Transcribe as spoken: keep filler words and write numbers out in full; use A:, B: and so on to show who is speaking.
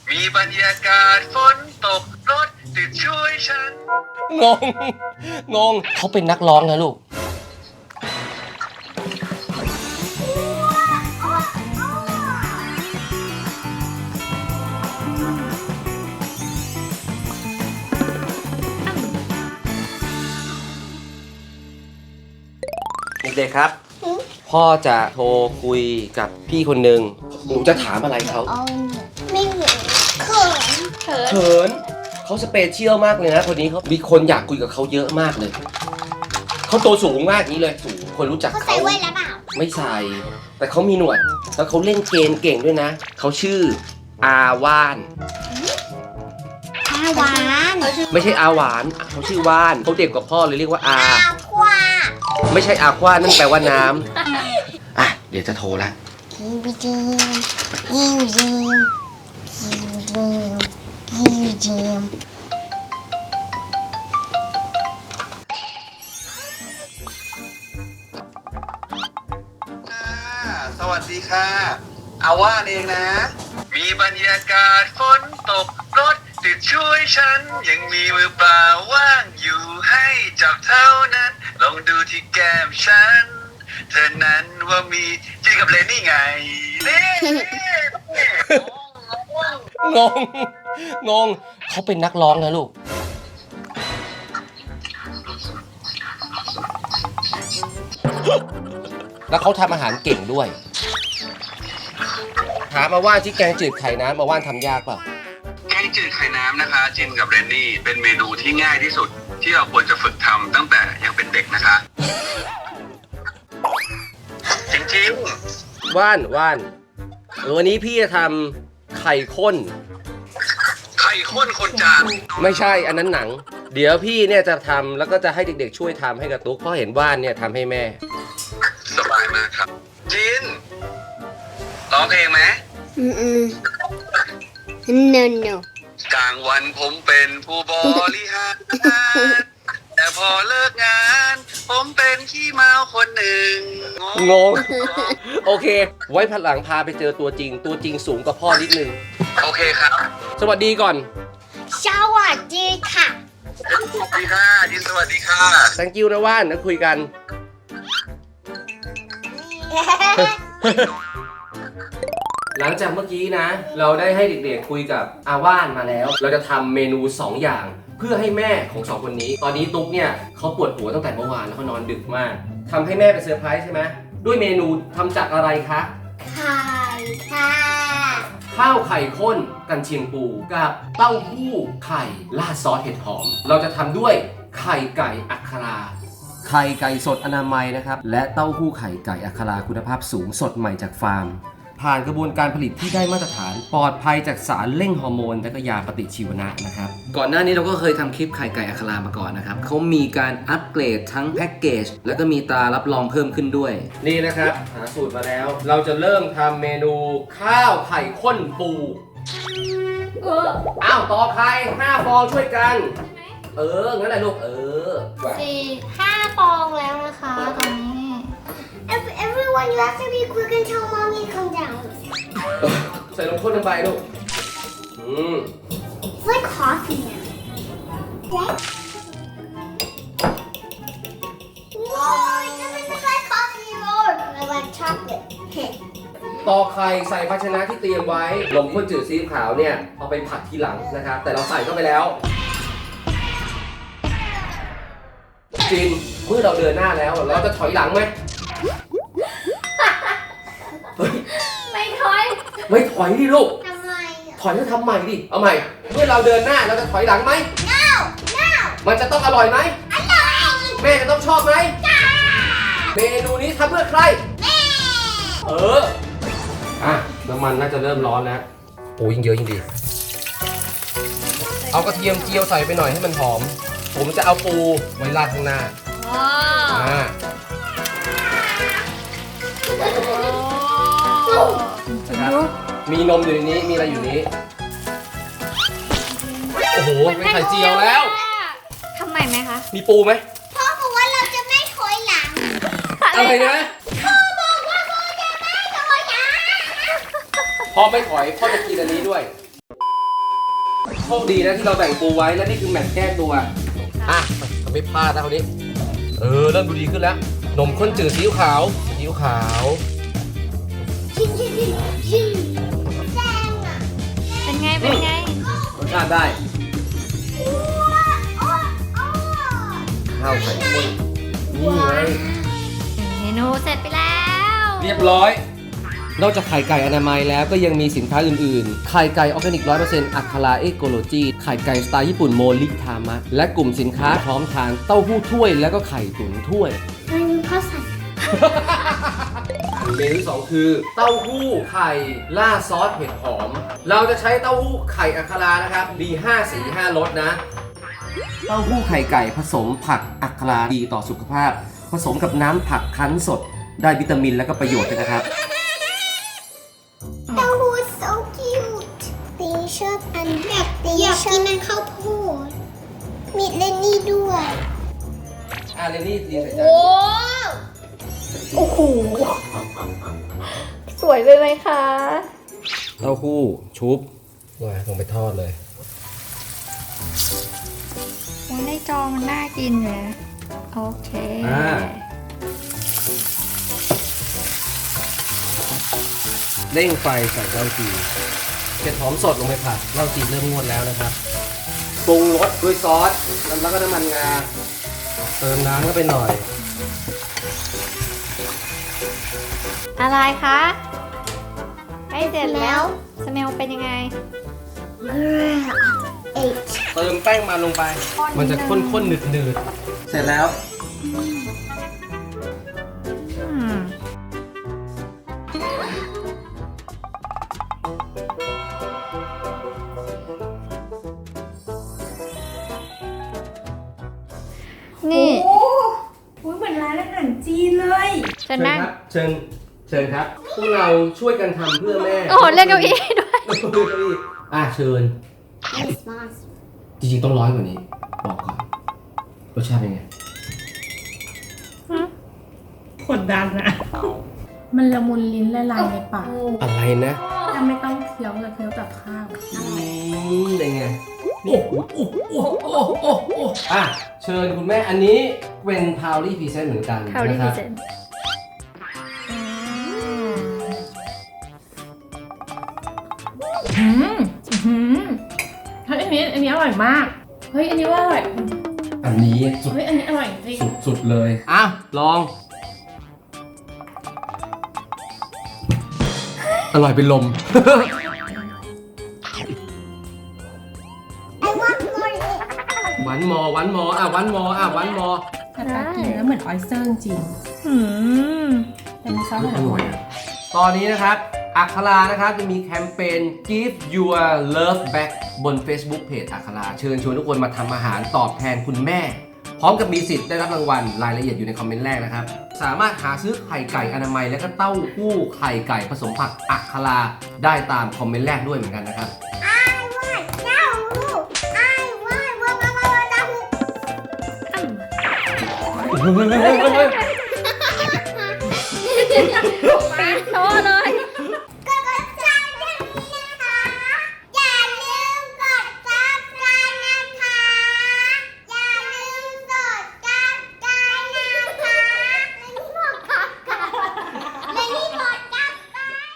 A: มีบรรยากาศฝนตกรถติดช่วยฉัน
B: งงงงเขาเป็นนักร้องนะลูกเด็กๆครับพ่อจะโทรคุยกับพี่คนหนึ่งหนูจะถามอะไรเขา
C: ไม่เหมือนเขินเขิน
B: เขินเขาสเปเชียลมากเลยนะคนนี้เขามีคนอยากคุยกับเขาเยอะมากเลยเขาตัวสูงมากนี้เลยสูงคนรู้จักเขา
C: เขาใส่แว่นแล้วเปล่า
B: ไม่ใส่แต่เขามีหนวดแล้วเขาเล่นเกมเก่งด้วยนะเขาชื่ออาว่าน
C: อาหวาน
B: ไม่ใช่อาหวานเขาชื่อว่านเขาเด็กกว่าพ่อเลยเรียกว่าอา
C: อาควา
B: ไม่ใช่อาควานั่นแปลว่าน้ำอ่ะเดี๋ยวจะโทรละ
C: ยิวจิมยิวจิมยิวจิมยิวจิม
A: สวัสดีค่ะอาว่านเองนะมีบรรยากาศฝนตกรถติดช่วยฉันยังมีมือเปล่าว่างอยู่ให้จับเท่านั้นลองดูที่แก้มฉันเธอนั้นว่ามีจีกับเลนนี่ไงเน่
B: งงงงเขาเป็นนักร้องนะลูกแล้วเขาทำอาหารเก่งด้วยถามมาว่าที่แกงจืดไข่น้ำมาว่านทำยากเปล่า
A: แกงจืดไข่น้ำนะคะจินกับเรนนี่เป็นเมนูที่ง่ายที่สุดที่เราควรจะฝึกทำตั้งแต่ยังเป็นเด็กนะคะ จริง
B: ๆว่านว่านวันนี้พี่จะทำไข่ข้น
A: ไข่ข้นคนจาน
B: ไม่ใช่อันนั้นหนังเดี๋ยวพี่เนี่ยจะทำแล้วก็จะให้เด็กๆช่วยทำให้กับตุ๊กเพราะเห็นว่านเนี่ยทำให้แม่
A: สบายมากครับจินร้องเพลงไหม
C: อืมอืม no no
A: กลางวันผมเป็นผู้บริหารแต่พอเลิกงานผมเป็นขี้เมาคนหนึ่ง
B: งงโอเคไว้พันหลังพาไปเจอตัวจริงตัวจริงสูงกว่าพ่อนิดนึง
A: โอเคครับ
B: สวัสดีก่อน
C: สวัสดีค่ะ
A: สวัสดีค่ะจินสวัสดีค่ะ
B: thank you นะว่านนะคุยกันหลังจากเมื่อกี้นะเราได้ให้เด็กๆคุยกับอาว่านมาแล้วเราจะทำเมนูสองอย่างเพื่อให้แม่ของสองคนนี้ตอนนี้ตุ๊กเนี่ยเขาปวดหัวตั้งแต่เมื่อวานแล้วเขานอนดึกมากทำให้แม่เป็นเซอร์ไพรส์ใช่ไหมด้วยเมนูทำจากอะไรคะ
C: ไข่ค่ะ
B: ข้าวไข่ข้นกันเชียงปูกับเต้าหู้ไข่ราดซอสเห็ดหอมเราจะทำด้วยไข่ไก่อัคราไข่ไก่สดอนามัยนะครับและเต้าหู้ไข่ไก่อัคราคุณภาพสูงสดใหม่จากฟาร์มผ่านกระบวนการผลิตที่ได้มาตรฐานปลอดภัยจากสารเร่งฮอร์โมนและก็ยาปฏิชีวนะนะครับก่อนหน้านี้เราก็เคยทำคลิปไข่ไก่อัครามาก่อนนะครับเขามีการอัปเกรดทั้งแพ็กเกจแล้วก็มีตรารับรองเพิ่มขึ้นด้วยนี่นะครับหาสูตรมาแล้วเราจะเริ่มทำเมนูข้าวไข่ข้นปูอ้าวต่อไข่ห้าฟองช่วยกันเอองั้นแหละลูกเออ
C: สี่ห้าฟองแล้วนะคะตอนนี้ Everyone you have to be quick until mommy comes down
B: ใส่นมข้นลงไปลูกอืม
C: It's like coffee now What? No it doesn't look like coffee anymore I like chocolate
B: ต่อไข่ใส่ภาชนะที่เตรียมไว้นมข้นจืดซีอิ๊วขาวเนี่ยเอาไปผัดทีหลังนะครับแต่เราใส่เข้าไปแล้วจินเมื่อเราเดินหน้าแล้วเราจะถอยหลังไหม
C: ไม่ถอย
B: ไม่ถอยดิลูก
C: ทำไม
B: ถอยแล้วทำใหม่ดิเอาใหม่เมื่อเราเดินหน้าเราจะถอยหลังไหม
C: no no
B: มันจะต้องอร่อยไหม
C: อร่อย
B: แม่จะต้องชอบไหม
C: จ้า
B: เมนูนี้ทำเพื่อใคร
C: แม่
B: เอออ่ะน้ำมันน่าจะเริ่มร้อนแล้วโอ้ยิ่งเยอะยิ่งดีเอากระเทียมเจียวใส่ไปหน่อยให้มันหอมผมจะเอาปูไว้ราดข้างหน้าอ่ามีนมอยู่ในนี้มีอะไรอยู่นี้โอ้โหเป็นไข่เจียวแล้ว
C: ทำไมไหมคะ
B: มีปูไหม
C: พ่อบอกว่าเราจะไม่ถอยหลัง
B: อะไรนะ
C: พ่อบอกว่าเราจะไม่ถอยหลัง
B: พ่อไม่ถอยพ่อจะกินอันนี้ด้วยโชคดีนะที่เราแบ่งปูไว้และนี่คือแมตช์แก้ตัวอ่ะทำไม่พลาดนะคนนี้เออเริ่มดูดีขึ้นแล้วนมข้นจืดซีอิ๊วขาวซีอิ๊วขาว
D: เป็นไง เป็นไง
B: รสชาติได้ข้าวไข่ข้นนี่ไง
D: เมนูเสร็จไปแล้ว
B: เรียบร้อยนอกจากไข่ไก่อนามัยแล้วก็ยังมีสินค้าอื่นๆ ไข่ไก่ออร์แกนิก ร้อยเปอร์เซ็นต์ อัคราเอโกโลจี ไข่ไก่สไตล์ญี่ปุ่นโมริทามะ และกลุ่มสินค้าพร้อมทานเต้าหู้ถ้วยแล้วก็ไข่ตุ๋นถ้วย
C: มันมีข้าวใส่
B: เมนูที่สองคือเต้าหู้ไข่ล่าซอสเห็ดหอม เราจะใช้เต้าหู้ไข่อัครานะครับ ดี ห้า สี ห้ารสนะ เต้าหู้ไข่ไก่ผสมผักอัคราดีต่อสุขภาพ ผสมกับน้ำผักคั้นสด ได้วิตามินและก็ประโยชน์ด้วยนะครับ
C: เต้าหู้ so cute ตีชอบอันแบบตีอยากกินมันข้าวโพดมีเลนนี่ด้วย
B: อ่ะเรนนี่เรียนใส่จาน
D: โอ้โห สวยไปไหมคะ
B: เต้าหู้ชุบว่าลงไปทอดเลย
D: โอ้ในจอมันน่ากินเลยโอเค
B: อ่า เร่งไฟใส่เหล้าจีนเห็ดหอมสดลงไปผัดเหล้าจีนเริ่มงวดแล้วนะครับปรุงรสด้วยซอสแล้วก็น้ำมันงาเติมน้ำเข้าไปหน่อย
D: อะไรคะใกล้เสร็จแล้ว สเมลเป็นยังไง
C: เอ็ด
B: เติมแป้งมันลงไป มันจะข้นๆหนืดๆเสร็จแล้ว
D: อืม นี่
E: โอ้โหเหมือนร้านอาหารจีนเลย
D: จะนั่ง
B: เชิญเชิญครับ พวกเราช่วยกันทำเพื่อแม่
D: โอ้โหเรียกเก้าอี้ด้วย
B: เก้าอี้อ่ะเชิญ จริงๆต้องร้อยกว่านี้ บอกก่อน รสชาติเป็นไง
E: กดดันอะมันละมุนลิ้นละลายในปาก
B: อะไรนะ
E: ถ้าไม่ต้องเคี้ยวเลยเคี้ยวกับข้าว
B: อืมเป็นไง โอ้โหโอ้โหโอ้โหโอ้โหโอ้โหอ่ะ เชิญคุณแม่ อันนี้เป็นพาวลี่พรีเซนต์เหมือนกัน
D: เขาดี
B: นะค
D: พิ
B: รับ
D: เศษ
E: อืมอืมเฮ้ยอันนี้อันนี้อร่อยมาก เฮ้ยอันนี้ว่าอร่อย
B: อันนี้สุด
E: เฮ้ยอันนี้อร่อยจริง
B: สุดสุดเลย อ่ะ ลอง อร่อยเป็นลม หวานมอหวานมออ่ะหวานมออ่ะหวานมอ
E: แต่ปากกินแล้วเหมือนออยสเตอร์จริง
D: อืม
E: เป็นซอส
B: อ
E: อร่
B: ร่
E: อ
B: อย ยอะตอนนี้นะครับ อัครานะครับจะมีแคมเปญ Give Your Love Back บน Facebook Page อัคราเชิญชวนทุกคนมาทำอาหารตอบแทนคุณแม่ พร้อมกับมีสิทธิ์ได้รับรางวัลรายละเอียดอยู่ในคอมเมนต์แรกนะครับ สามารถหาซื้อไข่ไก่อนามัยและก็เต้าหู้ไข่ไก่ผสมผักอัคราได้ตามคอมเมนต์แรกด้วยเหมือนกันนะครับ
C: I want เต้าหู้ I want ว่าว่าว่าเต้าหู้
D: โทษเลย